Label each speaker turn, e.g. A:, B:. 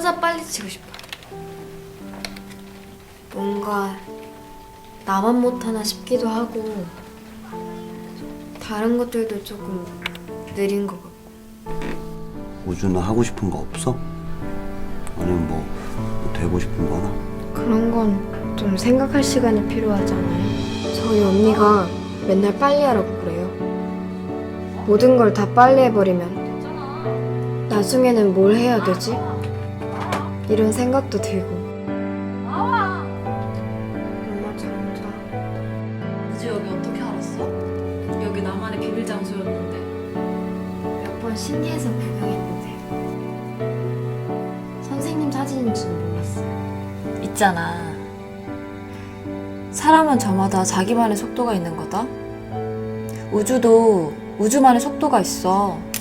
A: 타자 빨리 치고 싶어요. 뭔가 나만 못하나 싶기도 하고 다른 것들도 조금 느린 것 같고.
B: 우주는 하고 싶은 거 없어? 아니면 뭐 되고 싶은 거나?
A: 그런 건 좀 생각할 시간이 필요하잖아요. 저희 언니가 맨날 빨리 하라고 그래요. 모든 걸 다 빨리 해버리면 나중에는 뭘 해야 되지? 이런 생각도 들고. 엄마 잘 자.
C: 우주 여기 어떻게 알았어? 여기 나만의 비밀 장소였는데.
A: 몇 번 신기해서 구경했는데 선생님 사진인 줄 몰랐어요.
C: 있잖아. 사람은 저마다 자기만의 속도가 있는 거다. 우주도 우주만의 속도가 있어.